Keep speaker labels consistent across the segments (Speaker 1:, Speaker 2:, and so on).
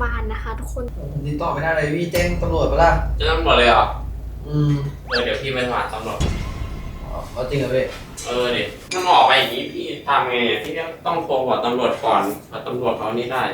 Speaker 1: บ้านนะคะทุกคน
Speaker 2: ผมติดต่อไม่ได้เลยพี่แจ้งตำรวจไปละ
Speaker 3: แจ้งตำรวจเลยเหรอ
Speaker 2: ม
Speaker 3: เดี๋ยวพี่ไปสมัครตำรวจ
Speaker 2: เอาจริงเหรอพี่
Speaker 3: ดิมันออกไปอย่างนี้พี่ทำไงพี่ต้องโทรบอกตำรวจก่อนว่าตำรวจเขานี่ได้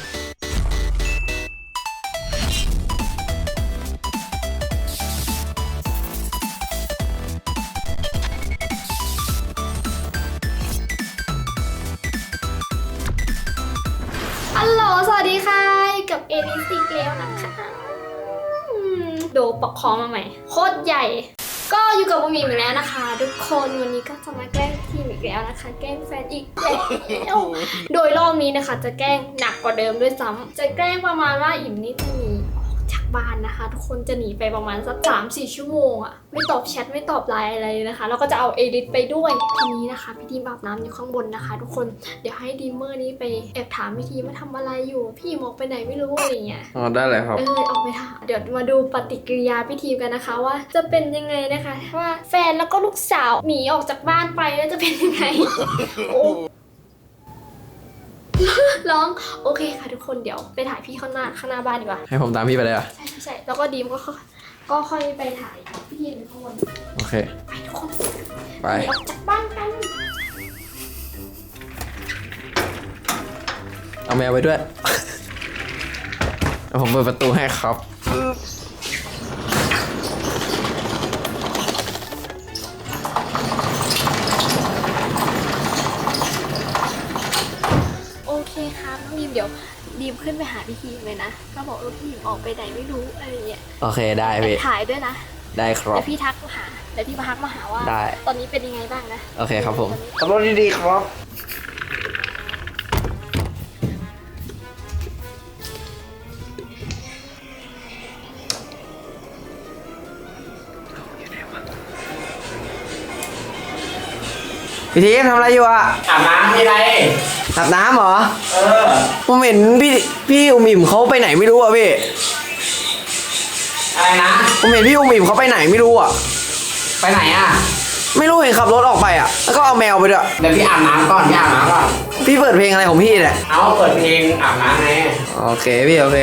Speaker 1: ฮัลโหลสวัสดีค่ะกับเอลิสอีกแล้วนะคะโดปอกคอมาใหม่โคตรใหญ่ก็อยู่กับบุมีอีกแล้วนะคะทุกคนวันนี้ก็จะมาแกล้งทีมอีกแล้วนะคะแกล้งแฟนอีกแล้วโดยรอบนี้นะคะจะแกล้งหนักกว่าเดิมด้วยซ้ำจะแกล้งประมาณว่าอิ่มนี่จะหนีออกจากบ้านนะคะทุกคนจะหนีไปประมาณสัก3-4 ชั่วโมงอะไม่ตอบแชทไม่ตอบไลน์อะไรเลยนะคะแล้วก็จะเอาเอลิสไปด้วยทีนี้นะคะพี่ทีมอาบน้ำอยู่ข้างบนนะคะทุกคนเดี๋ยวให้ดีมเมอร์นี้ไปแอบถามพี่ทีมว่าทำอะไรอยู่พี่หมอกไปไหนไม่รู้อะไรเงี้ย
Speaker 3: ได้เลยครับ
Speaker 1: ออกไปค่ะเดี๋ยวมาดูปฏิกิริยาพี่ทีมกันนะคะว่าจะเป็นยังไงนะคะว่าแฟนแล้วก็ลูกสาวหนีออกจากบ้านไปแล้วจะเป็นยังไง โอ้ร้องโอเคค่ะทุกคนเดี๋ยวไปถ่ายพี่ข้างหน้าบ้านดีกว่า
Speaker 3: ให้ผมตามพี่ไปเลยอ่ะ
Speaker 1: ใช่แล้วก็ดีมก็ค่อยไปถ่ายพี่ทีมข้างบน
Speaker 3: โอเค
Speaker 1: ไปทุกคน
Speaker 3: ไป
Speaker 1: ออกจากบ้านกัน
Speaker 3: เอาแมวไปด้วย ผมเปิดประตูให้ครับ
Speaker 1: โอเคครับน้องดีมเดี๋ยวดีมขึ้นไปหาพี่ทีมเลยนะก็บอกพี่ทีมออกไปไหนไม่รู้อะไรเงี้ย
Speaker 3: โอเคได้พี่
Speaker 1: ถ่ายด้วยนะ
Speaker 3: ได้ครับ
Speaker 1: แล้วพี่ทักมาหาแล้วพี่มาทักมาหาว่า
Speaker 3: ได้
Speaker 1: ตอนนี้เป็นยังไงบ้างนะ
Speaker 3: โอเคครับผมขับรถดีๆครับพี่ทีมทำอะไรอยู่อ่ะอาบน้ำไม่ไรอาบน้ำเหรอผมเห็นพี่อุ๋มอิ่มเขาไปไหนไม่รู้อ่ะพี่อะไรนะผมเห็นพี่อุ๋มอิ่มเขาไปไหนไม่รู้อ่ะไปไหนอ่ะไม่รู้เห็นขับรถออกไปอ่ะแล้วก็เอาแมวไปด้วยเดี๋ยวพี่อาบน้ำก่อนพี่เปิดเพลงอะไรของพี่เนี่ยเอาเปิดเพลงอาบน้ำไงโอเคพี่โอเค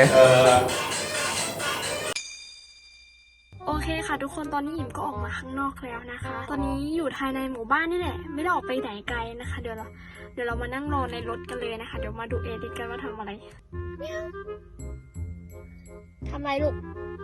Speaker 1: โอเคค่ะทุกคนตอนนี้อิ่มก็ออกมาข้างนอกแล้วนะคะตอนนี้อยู่ภายในหมู่บ้านนี่แหละไม่ได้ออกไปไหนไกลนะคะเดี๋ยวเรามานั่งรอในรถกันเลยนะคะเดี๋ยวมาดูเอดิกันว่าทำอะไรทำอะไรลูก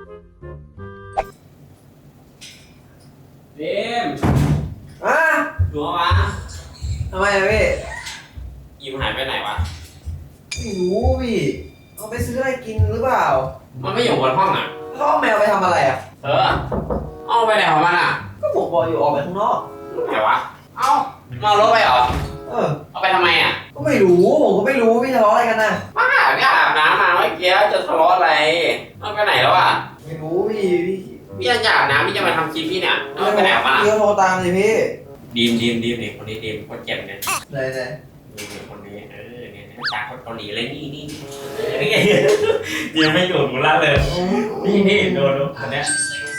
Speaker 3: เดมดูวะ
Speaker 2: ทำไมอะพี่
Speaker 3: ยิ้มหายไปไหนวะ
Speaker 2: ไม่รู้พี่เอาไปซื้ออะไรกินหรือเปล่า
Speaker 3: มันไม่อยู่บนห้องอ่ะ
Speaker 2: เขาเอาแมวไปทำอะไรอ่ะ
Speaker 3: เอาไปไหนของมันอ่ะ
Speaker 2: ก็ผมบอกอยู่ออกไปข้างนอก
Speaker 3: ไหนวะเอามารถไปเหรอเอาไปทำไมอ่ะ
Speaker 2: ก็ไม่รู้ผมก็ไม่รู้พี่ทะเลาะอะไรกันนะ
Speaker 3: ป้าเนี่ยอาบน้ำมาเมื่อกี้จะทะเลาะอะไรเอาไปไหนแล้วอ่ะ
Speaker 2: ไม่รู้พี่
Speaker 3: จะอาบน้ำพี่จะมาทำคลิปพี่เนี่ยเอาไปไหนมา
Speaker 2: พี่โทรตามสิพี่
Speaker 3: ดีมนี่คนนี้ดีมคนเจ็บเนี่ย
Speaker 2: ไหน
Speaker 3: นี่คนนี้เนี่ยจากคนเกาหลีเลยนี่ยังไม่อยู่กูละเลยนี่ดูคนเนี้ย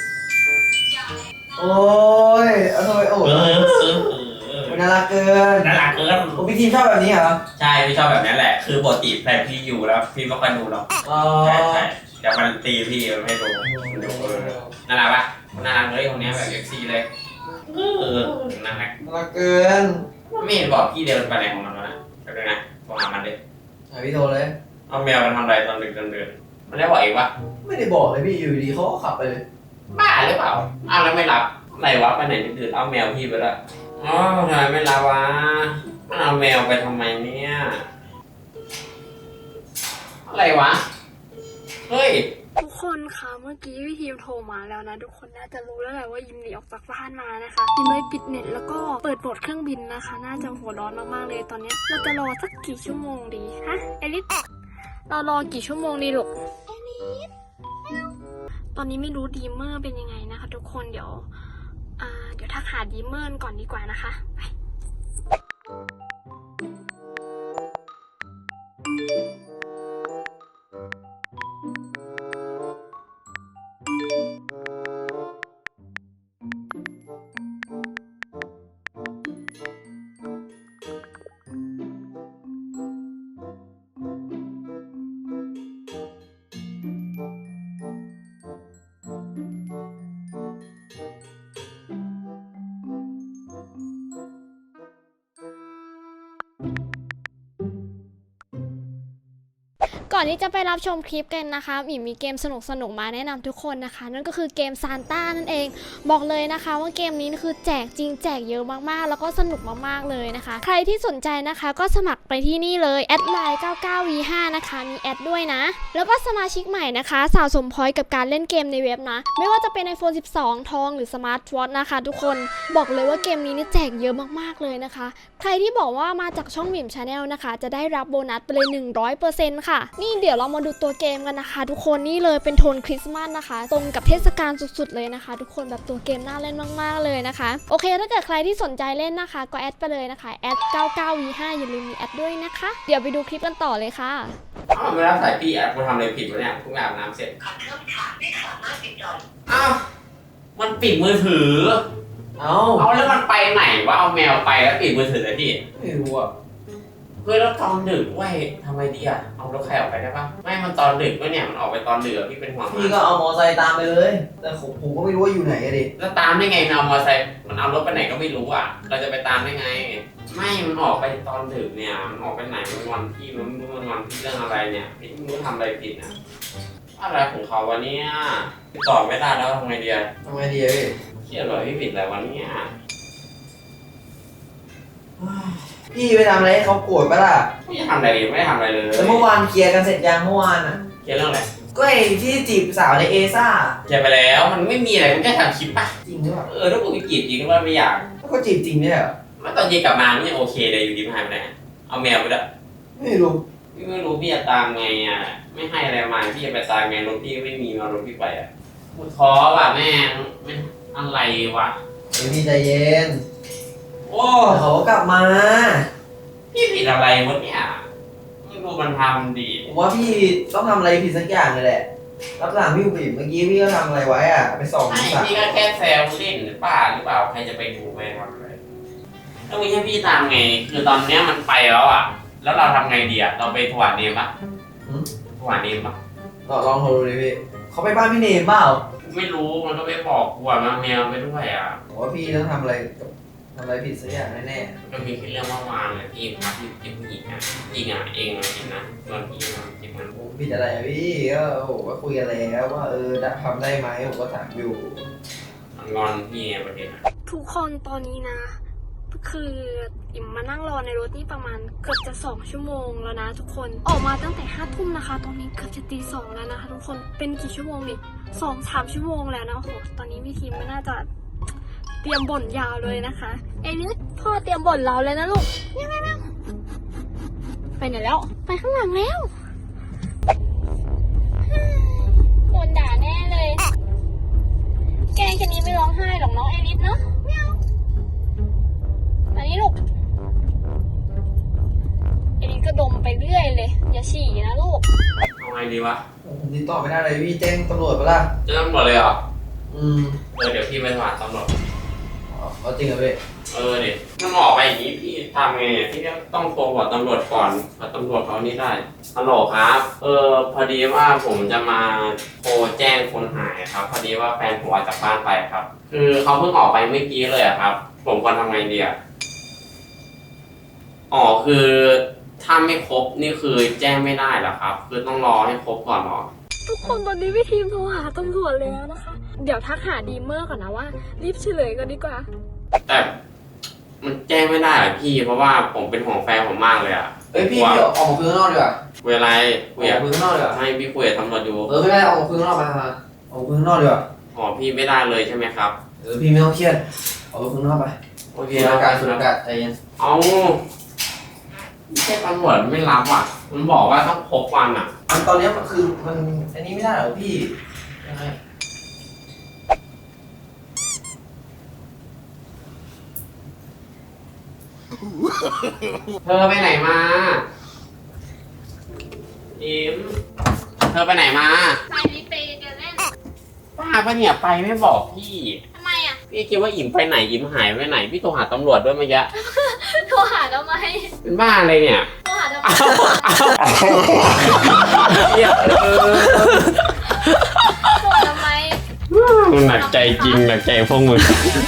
Speaker 2: โอ้ยเอาทำไมโอ้น่ารักเกินพี่ทีมชอบแบบนี้เหรอ
Speaker 3: ใช่พี่ชอบแบบนี้แหละคือปกติแฟนพี่อยู่แล้วพี่ไม่ค่อยดูหรอกใช่เดี๋ยวมันตีพี่มันไม่ดูน่ารักปะน่ารักเลยคนนี้แบบเซ็กซี่เลยน่ารัก
Speaker 2: เกิน
Speaker 3: ไม่เห็นบอกพี่เดินไปไหนของมันวะนะเดี๋ยวนะโทรหามันดิ
Speaker 2: พี่โทรเลย
Speaker 3: เอาแมวมันทำอะไรตอนดึกเดินมันได้บอกอีกปะ
Speaker 2: ไม่ได้บอกเลยพี่อยู่ดีเขาก็ขับไปเลย
Speaker 3: บ้าหรือเปล่าอ้าวแล้วไม่รับอะไรวะไปไหนดึกเอาแมวพี่ไปละอ๋อทำไมไม่รับวะเอาแมวไปทำไมเนี่ยอะไรวะเฮ้ย
Speaker 1: ทุกคนคะเมื่อกี้พี่ทีมโทรมาแล้วนะทุกคนน่าจะรู้แล้วแหละว่ายิมหนีออกจากบ้านมานะคะยิมเลยปิดเน็ตแล้วก็เปิดโหมดเครื่องบินนะคะน่าจะหัวร้อนมากๆเลยตอนนี้เราจะรอสักกี่ชั่วโมงดีฮะเอลิสเรารอกี่ชั่วโมงดีลูกเอลิสตอนนี้ไม่รู้ดีมเมอร์เป็นยังไงนะคะทุกคนเดี๋ยวทักหาดีมเมอร์ก่อนดีกว่านะคะไปก่อนที่จะไปรับชมคลิปกันนะคะหมีมีเกมสนุกๆมาแนะนำทุกคนนะคะนั่นก็คือเกมซานต้านั่นเองบอกเลยนะคะว่าเกมนี้คือแจกจริงแจกเยอะมากๆแล้วก็สนุกมากๆเลยนะคะใครที่สนใจนะคะก็สมัครไปที่นี่เลยแอดไลน์ 99v5 นะคะมีแอดด้วยนะแล้วก็สมาชิกใหม่นะคะสะสมพอยต์กับการเล่นเกมในเว็บนะไม่ว่าจะเป็น iPhone 12 ทองหรือ Smart Watch นะคะทุกคนบอกเลยว่าเกมนี้นี่แจกเยอะมากๆเลยนะคะใครที่บอกว่ามาจากช่องหมิม Channel นะคะจะได้รับโบนัสไปเลย 100% ค่ะนี่เดี๋ยวเรามาดูตัวเกมกันนะคะทุกคนนี่เลยเป็นโทนคริสต์มาสนะคะตรงกับเทศกาลสุดๆเลยนะคะทุกคนแบบตัวเกมน่าเล่นมากๆเลยนะคะโอเคถ้าเกิดใครที่สนใจเล่นนะคะก็แอดไปเลยนะคะแอด 99v5 อย่าลืมมีแอดด้วยนะคะเดี๋ยวไปดูคลิปกันต่อเลยค่ะ
Speaker 3: อ้าวไม่รับสายพี่อ่ะกูทำอะไรผิดวะเนี่ยกูอาบน้ำเสร็จ
Speaker 4: ขอโทษค่ะไม่สามารถติดต่อ
Speaker 3: อ้าวมันปิดมือถือ
Speaker 2: เอ้า
Speaker 3: เอาแล้วมันไปไหนวะเอาแมวไปแล้วปิดมือถือเลยพี่
Speaker 2: ไม่รู้อ่ะ
Speaker 3: เฮ้ยแล้วตอนดึกเว้ยทำไมดีอ่ะเอารถใครออกไปได้ปะไม่มันตอนดึกวะเนี่ยมันออกไปตอนดึกอะพี่เป็นห่วง
Speaker 2: พี่ก็เอามอไซค์ตามไปเลย แต่ผมก็ไม่รู้ว่าอยู่ไหนอะดิ
Speaker 3: แล้วตามได้ไงมันเอามอเตอร์ไซค์มันเอารถไปไหนก็ไม่รู้อ่ะเราจะไปตามได้ไง ไม่มันออกไปตอนดึกเนี่ยมันออกไปไหนมันวันพี่มันไม่รู้มันวันพี่เรื่องอะไรเนี่ยพี่ไม่รู้ทำอะไรผิดนะอะไรของเขาวะเนี่ยติดต่อไม่ได้แล้วทำไงดีอะ
Speaker 2: ทำไงดีอะพี่
Speaker 3: เครียดเลยพี่ผิดอะไรวะเนี่ย
Speaker 2: พี่ไปทำอะไรให้เขาโกรธปะล่ะ
Speaker 3: ไม่ทำอะไรเลยไม่ได้ทำอะไรเลย
Speaker 2: แล้วเมื่อวานเคลียร์กันเสร็จยังเมื่อวานอ่ะ
Speaker 3: เครียดเรื่องอะไร
Speaker 2: ก็ไอ้ที่จีบสาวในเอซ่า
Speaker 3: เครียดไปแล้วมันไม่มีอะไรมันแค่ทำคลิปป่ะ
Speaker 2: จริงหรือเปล่า
Speaker 3: ถ้ากูไปจีบจริงก็ไม่อยาก
Speaker 2: แล้วก็จีบจริงเนี่ยเหรอ
Speaker 3: เมื่อตอนเย็นกลับมามันยังโอเคเลยอยู่ดีมันหายไปไหนเอาแมวไปด้วย
Speaker 2: ไม่รู้
Speaker 3: พี่ไม่รู้พี่จะตามไงอ่ะไม่ให้อะไรมาพี่จะไปตามไงรถพี่ไม่มีมารถพี่ไปอ่ะกูท้อว่ะแม่งไม่อะไรวะ
Speaker 2: เดี๋ยวพี่ใจเย็น
Speaker 3: โอ้
Speaker 2: เขาก็กลับมา
Speaker 3: พี่ผิดอะไรวะเนี่ยไม่รู้มันทำดี
Speaker 2: ผมว่าพี่ต้องทำอะไรผิดสักอย่างเลยแหละรับหลังพี่ผิดเมื่อกี้พี่ก็ทำอะไรไว้อ่ะไปส่อง
Speaker 3: ไม่
Speaker 2: สาว
Speaker 3: พี่ก็แค่แซวเล่นหรือเปล่าใครจะไปดูไปทำอะไรแล้วไม่ใช่พี่ตามไงคือตอนเนี้ยมันไปแล้วอ่ะแล้วเราทำไงดีอ่ะเราไปถวายเนมปะถวายเนมปะ
Speaker 2: ลองโทรดูดิพี่เขาไปบ้านพี่เนมเปล่า
Speaker 3: ไม่รู้มันก็ไม่บอกกูอ่ะมันแมวไปด้วยอ่ะ
Speaker 2: ผมว่าพี่ต้องทำอะไรผิดสักอย่างแน่
Speaker 3: ก็มีแค่เรื่องเมื่อวานเลยที่พักที่เป็นผู้หญิงอ่ะจริงอ่ะเองจริงนะตอนพี่มันจริงนะ
Speaker 2: ๆผมผิดอะไรอะพี่ก็โอ้โหก็คุยกันแล้วว่าทำได้ไหมผมก็ถามอยู่
Speaker 3: งอนพี่ไงประเด็นอ่ะ
Speaker 1: ทุกคนตอนนี้นะ คืออิ่มมานั่งรอในรถนี่ประมาณเกือบจะ2 ชั่วโมงแล้วนะทุกคนออกมาตั้งแต่5 ทุ่มนะคะตอนนี้เกือบจะตี 2แล้วนะคะทุกคนเป็นกี่ชั่วโมงนี่2-3 ชั่วโมงแล้วนะโอ้โหตอนนี้พี่ทีมไม่น่าจะเตรียมบ่นยาวเลยนะคะเอ้นี่พ่อเตรียมบ่นเราเลยนะลูกเนี่ยไปไหนแล้วไปข้างหลังแล้วโดนด่าแน่เลยแกงแค่นี้ไม่ร้องไห้หรอกน้องเอลิสเนาะไม่เอาอันนี้ลูกเอลิสก็ดมไปเรื่อยเลยอย่าฉี่นะลูก
Speaker 3: เอาไงดีวะ
Speaker 2: ผมติดต่อไม่ได้เลยพี่แจ้งตำรวจปะล่ะ
Speaker 3: จะตำรวจเลยเหรอ เดี๋ยวพี่ไปถามตำรวจ
Speaker 2: เอาจริงเหรอพี่
Speaker 3: เดี๋ยวมันออกไปอย่างนี้พี่ทำไงพี่ก็ต้องโทรบอกตำรวจก่อนตำรวจเขานี่ได้ฮัลโหลครับ พอดีว่าผมจะมาโทรแจ้งคนหายครับ พอดีว่าแฟนผมออกจากบ้านไปครับ คือเขาเพิ่งออกไปเมื่อกี้เลยอะครับ ผมควรทำไงดีอะอ๋อคือถ้าไม่ครบนี่คือแจ้งไม่ได้เหรอครับ คือต้องรอให้ครบก่อนเหรอ
Speaker 1: ทุกคนตอนนี้พี่ทีมโทรหาตำรวจแล้วนะคะ เดี๋ยวทักหาดีเมอร์ก่อนนะว่ารีบเฉลยกันดีกว่า
Speaker 3: แต่มันแจ้งไม่ได้อะพี่ เพราะว่าผมเป็นห่วงแฟนผมมากเลยอะ
Speaker 2: พี่ออกมาคุยข้างนอกดีกว่า
Speaker 3: เวลา
Speaker 2: อ
Speaker 3: คุ
Speaker 2: อย ก
Speaker 3: อะ
Speaker 2: มาคุยข้างนอกดีกว่า
Speaker 3: ให้พี่คุยกับตำรวจอยู่
Speaker 2: ไม่ได้ออกมาคุยข้างนอกมาออกมาคุยข้างนอกดีกว่า
Speaker 3: อ๋อพี่ไม่ได้เลยใช่ไหมครับ
Speaker 2: พี่ไม่ต้องเครียดออกมาคุยข้างนอกไป
Speaker 3: โอเค
Speaker 2: สูดอากาศสูดอากาศใจเย็น
Speaker 3: เอาไม่ใช่ตำรวจไม่รับอ่ะ มันบอกว่าต้องครบวันอ่ะ
Speaker 2: ตอนนี้มันคือมันอันนี้ไม่ได้เหรอพี่ยังไง
Speaker 3: เธอไปไหนมาอิมเธอไปไหนมา
Speaker 1: ไปนี่ไปเดินเล่น
Speaker 3: ป้าปะเนี่ยไปไม่บอกพี่
Speaker 1: ทำไมอ่ะ
Speaker 3: พี่คิดว่าอิมไปไหนอิมหายไปไหน พี่โทรหาตำรวจด้วยเมื่อกี้
Speaker 1: โทรหาทำไม
Speaker 3: เป็นบ้าอะไรเนี่ย
Speaker 1: โทรหาทำไม
Speaker 3: เหี้ย
Speaker 1: โทรทำไม
Speaker 3: หนักใจจริงหนักใจพวกมึง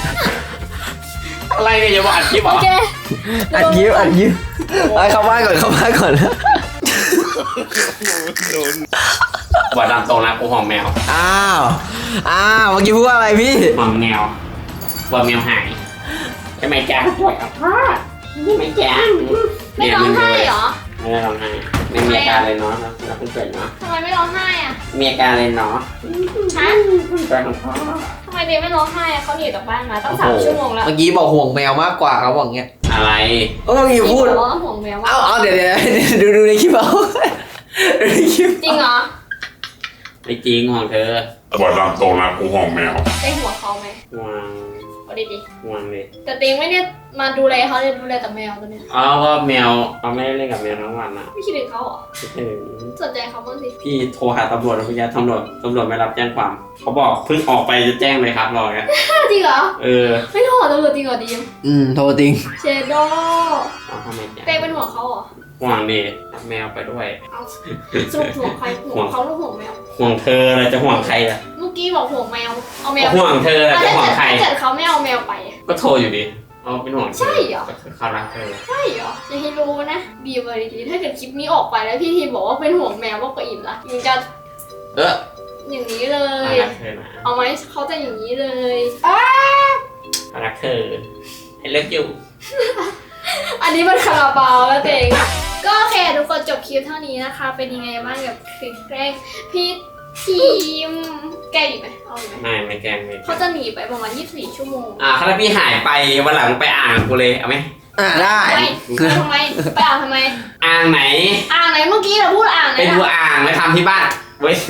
Speaker 3: อะไรเนี่ยอย่ามาอัดคลิปเหร
Speaker 1: โอ
Speaker 3: อ
Speaker 1: เค
Speaker 2: อัดยิ้มไปเข้าบ้านก่อน
Speaker 3: บอกตามตรงนะกูห่วงแมว
Speaker 2: อ้าวเมื่อกี้พูดว่าอะไรพี่
Speaker 3: ห่วงแมวกลัวแมวหายใช่ไหมจ๊ะป่วยกับพ่อใช่ไหมจ๊ะ
Speaker 1: ไม่ร้องไห้เหรอ
Speaker 3: ไม่ได้ร้องไห้ไม่มีอาการเลยเนาะเราเพิ่งเกิดเนาะ
Speaker 1: ทำไมไม่ร้องไห้อ่ะ
Speaker 3: มีอาการเลยเนาะ
Speaker 1: ฮะ
Speaker 3: เกิดของพ่อ
Speaker 1: ทำไมเดย์ไม่ร้องไห้อ่ะเขาหนีจากบ้านมาตั้ง3 ชั่วโมงแล้ว
Speaker 2: เมื่อกี้บอกห่วงแมวมากกว่าเขาบอกเงี้ย
Speaker 3: อะไร
Speaker 2: เมื่อกี้พูด
Speaker 1: ร้องห่วงแมวว่า
Speaker 2: เอาเดี๋ยวดูในคลิปเอาดูในคลิป
Speaker 1: จริงเหรอ
Speaker 3: ไม่จริงห่วงเธอ
Speaker 5: บอกตามตรงนะกูห่วงแมว
Speaker 1: ได้หัวเขาไหม
Speaker 3: ห่วง
Speaker 1: เอาดี
Speaker 3: ห่วงเลย
Speaker 1: ๆแต่เต็งไม่เนี่ยมาดูแลเขาเลยดูแลแต่แมวตัวเนี้ย
Speaker 3: อ๋อก็แมวเราไม่ได้เล่นกับแมวทั้งวันนะ
Speaker 1: ไม่คิดถึงเขาเหรอ
Speaker 3: คิดถึง
Speaker 1: สนใจเขาบ้างสิ
Speaker 3: พี่โทรหาตำรวจแล้วพี่ยาตำรวจไม่รับแจ้งความ เขาบอกเพิ่งออกไปจะแจ้งเลยครับรอกัน
Speaker 1: จริงเหรอ
Speaker 3: เออ
Speaker 1: ไม่โทรตำรวจจริงเหรอดีม
Speaker 2: โทรจริง
Speaker 1: เชโด
Speaker 3: เอาทำไมจ๊ะ
Speaker 1: เต้เป็นห่วงเขาเหรอ
Speaker 3: ห่วงดิรับแมวไปด้วย
Speaker 1: เอาสรุปห่วงใครห่วงเขาหรือห่วงแมว
Speaker 3: ห่วงเธอเราจะห่วงใครล่ะ
Speaker 1: เมื่อกี้บอกห่วงแมวเอาแมว
Speaker 3: ห่วงเธอเรา
Speaker 1: อ่ะ
Speaker 3: จะห่วงใคร
Speaker 1: ถ้าเกิดเขาไม่เอาแมวไป
Speaker 3: ก็โทรอยู่ดิเอาเป็นห่วงธ
Speaker 1: ใช่เหรอ
Speaker 3: เขารักเธอ
Speaker 1: ใช่เหรออย่าให้รู้นะบีบเลยดีๆถ้าเกิดคลิปนี้ออกไปแล้วพี่ทีบอกว่าเป็นห่วงแมวมากกว่าอิ่มละยิงจะ
Speaker 3: เออ
Speaker 1: อย่างนี้เล
Speaker 3: เขา
Speaker 1: ย
Speaker 3: รักเธอนะ
Speaker 1: เอาไหมเขาจะอย่างนี้เลย
Speaker 3: เขารักเธอให้เลิกอยู่
Speaker 1: อันนี้มันคาราบาวแล้วเองก็โอเคทุกคนจบคลิปเท่านี้นะคะ เป็นยังไงบ้างกับคลิปแกล้งพี่ทีมแกล้งอีกไหมเอาอีกไหม
Speaker 3: ไม่แกล้งไม่
Speaker 1: เขาจะหนีไปประมาณ24 ชั่วโมง
Speaker 3: ถ้าพี่หายไปวันหลังไปอ่างกูเลยเอาไหม
Speaker 2: ได้
Speaker 1: ไปทำไมไปอ่างทำไม
Speaker 3: อ่างไหน
Speaker 1: อ่างไหนเมื่อกี้เราพูดอ่างไหน
Speaker 3: ไปดู
Speaker 1: นะ
Speaker 3: อ่างไปทำที่บ้านเว้ย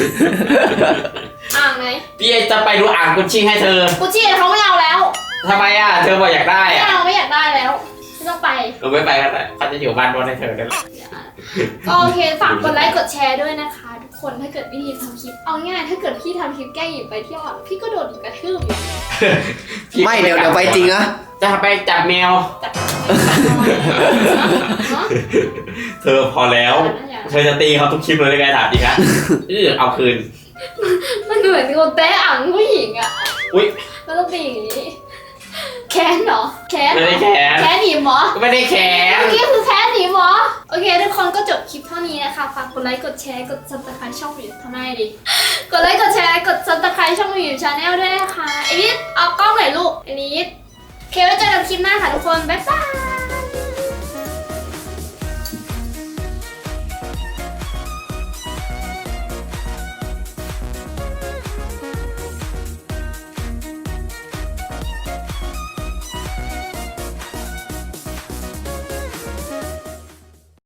Speaker 1: อ่างไหน
Speaker 3: พี่จะไปดูอ่างกุชชี่ให้เธอ
Speaker 1: กูจี้เขาไม่เอาแล้ว
Speaker 3: ทำไมเธอบอกอยากได้
Speaker 1: ไม่เอาไม่อยากได้แล้วไม่ต้องไป
Speaker 3: เราไม่ไปกันแต่เขาจะอยู่บ้านรถให้เธอได้หรอ
Speaker 1: ก็โอเคฝากกดไลค์กดแชร์ด้วยนะคะ ทุกคนถ้าเกิดพี่ทีมทำคลิปเอาง่ายถ้าเกิดพี่ทำคลิปแกล้งหญิงไปเที่ยวอะพี่ก็โดนหญิงกระทืบอยู่
Speaker 2: ไม่เดี๋ยวไปจริงนะ
Speaker 3: จะไปจับแมว
Speaker 1: จับ
Speaker 3: เธอพอแล้ว เธอจะตีเขาทุกคลิปเลยได้ไงถามจริงนะเอาคืน
Speaker 1: มันเหมือนคนเตะอ่างผู้หญิงอะ
Speaker 3: อุ้ย
Speaker 1: มันต้องตีอย่างนี้แค้นเหรอแค้น
Speaker 3: ไม่
Speaker 1: เหร
Speaker 3: ได้
Speaker 1: อ
Speaker 3: แขน
Speaker 1: แค้นหนีหมอ
Speaker 3: ไม่ได้แขน
Speaker 1: เมื่อกี้คือแค้นหนีหมอโอเคทุกคนก็จบคลิปเท่านี้นะคะฝากกดไลค์กดแชร์กด subscribe ช่องวิวทำไมดิกดไลค์กดแชร์กด subscribe ช่องวิวชาแนลด้วยนะคะเอลิสเอากล้องหน่อยลูกเอลิสโอเคไว้เจอกันคลิปหน้าค่ะทุกคนบ๊ายบาย